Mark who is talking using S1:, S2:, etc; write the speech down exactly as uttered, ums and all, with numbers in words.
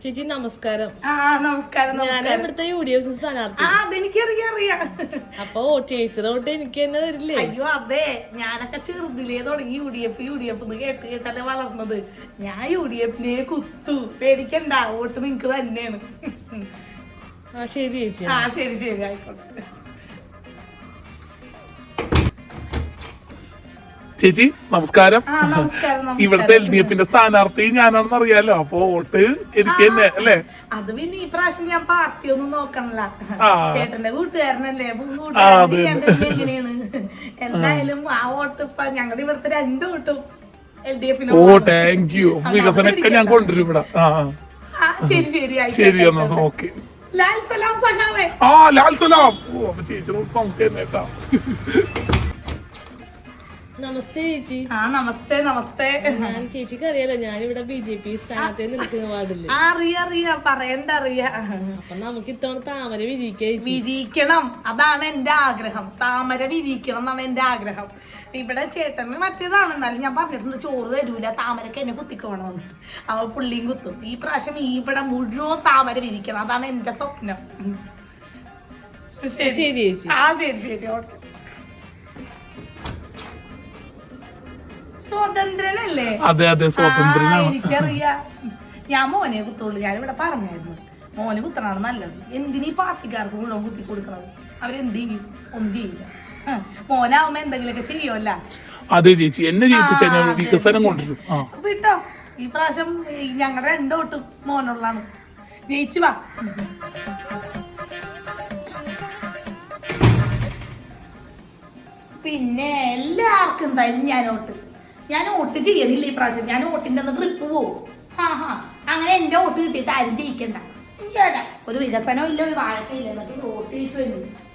S1: ചേച്ചി നമസ്കാരം.
S2: ആ നമസ്കാരം.
S1: ഞാൻ ഇവിടുത്തെ യു ഡി എഫ് സ്ഥാനാർത്ഥി.
S2: അതെനിക്കറിയാം.
S1: അപ്പൊ ചേച്ചിയുടെ വോട്ട് എനിക്ക് തന്നെ തരില്ലേ?
S2: അയ്യോ അതെ, ഞാനൊക്കെ ചെറുതിലേ തുടങ്ങി U D F U D F എന്ന് കേട്ട് കേട്ടല്ലേ വളർന്നത്. ഞാൻ യു ഡി എഫിനെ കുത്തു. പേടിക്കണ്ട, വോട്ട് നിങ്ങക്ക് തന്നെയാണ്.
S1: ആ ശരി ചേച്ചി.
S2: ആ ശരി ശരി ആയിക്കോട്ടെ.
S3: ചേച്ചി നമസ്കാരം.
S2: ആ നമസ്കാരം.
S3: ഇവിടുത്തെ എൽ ഡി എഫിന്റെ സ്ഥാനാർത്ഥി ഞാനാണെന്ന് അറിയാലോ, അപ്പൊ വോട്ട് എനിക്ക് തന്നെ അല്ലേ?
S2: അത് പിന്നെ ഈ പ്രാവശ്യം ഞാൻ പാർട്ടി ഒന്നും നോക്കണല്ല, ചേട്ടന്റെ കൂട്ടുകാരനല്ലേ. എങ്ങനെയാണ് എന്തായാലും ആ വോട്ട് ഇപ്പൊ ഞങ്ങളുടെ ഇവിടുത്തെ രണ്ടു വോട്ടും എൽ ഡി എഫിന്.
S3: ഓ താങ്ക് യു. വികസനമൊക്കെ ഞാൻ കൊണ്ടുവരും ഇവിടെ. ആ
S2: ശരി ശരി
S3: ശരി എന്നാ ഓക്കെ.
S2: ലാൽ സലാം സഖാവേ.
S3: ആ ലാൽ സലാം. ഓ അപ്പൊ ചേച്ചി നമുക്ക് തന്നെ കേട്ടാ.
S1: നമസ്തേ ചേച്ചി.
S2: ആ നമസ്തേ നമസ്തേ.
S1: ഞാൻ ചേച്ചിക്ക് അറിയാലോ, ഞാനിവിടെ ബി ജെ പി സ്ഥാനാർത്ഥി നിൽക്കുന്ന വാർഡില്.
S2: അറിയാ പറയണ്ട അറിയാ.
S1: അപ്പൊ നമുക്ക് ഇത്തവണ താമര വിരിക്കാം.
S2: വിരിക്കണം, അതാണ് എന്റെ ആഗ്രഹം. താമര വിരിക്കണം എന്നാണ് എന്റെ ആഗ്രഹം. ഇവിടെ ചേട്ടന് മറ്റേതാണ്, എന്നാലും ഞാൻ പറഞ്ഞിട്ടുണ്ട് ചോറ് തരൂല, താമരക്ക് എന്നെ കുത്തിക്കോണമെന്ന്. അവ പുള്ളിയും കുത്തും. ഈ പ്രാവശ്യം ഇവിടെ മുഴുവൻ താമര വിരിക്കണം, അതാണ് എന്റെ സ്വപ്നം.
S1: ശരി ചേച്ചി.
S2: ആ ശരി ശരി ഓക്കെ. സ്വതന്ത്രനല്ലേ?
S3: അതെ അതെ സ്വതന്ത്രനാണ്.
S2: എനിക്കറിയാം. ഞാൻ മോനെ കുത്തുള്ളൂ. ഞാനിവിടെ പറഞ്ഞായിരുന്നു മോനെ കുത്തണാണ് നല്ലത്. എന്തിനീ പാർട്ടിക്കാർക്ക് മുഴുവൻ കുത്തി കൊടുക്കണത്? അവരെന്ത് ചെയ്യും? ഒന്നും ചെയ്യില്ല. മോനാവുമ്പോ എന്തെങ്കിലുമൊക്കെ ചെയ്യുമല്ല.
S3: അതെ ചേച്ചി, എന്നെ ജയിപ്പിച്ചാൽ ഞാൻ വികസനം കൊണ്ടുവരും.
S2: വിട്ടോ, ഈ പ്രാവശ്യം ഞങ്ങളുടെ രണ്ടോട്ടും മോനുള്ളതാണ്. ജയിച്ചു വാ. പിന്നെ എല്ലാവർക്കും എന്തായാലും ഞാൻ വോട്ട് ഞാൻ വോട്ട് ചെയ്യണില്ല ഈ പ്രാവശ്യം. ഞാൻ വോട്ടിന്റെ ഒന്ന് ട്രിപ്പ് പോവും. ഹാ ഹാ അങ്ങനെ എന്റെ വോട്ട് കിട്ടിയിട്ട് ആരും ജയിക്കണ്ട. ഒരു വികസനം ഇല്ല, ഒരു വാഴക്കയില്ല, എന്നിട്ട് വോട്ട് ചെയ്യിച്ചു വരുന്നു.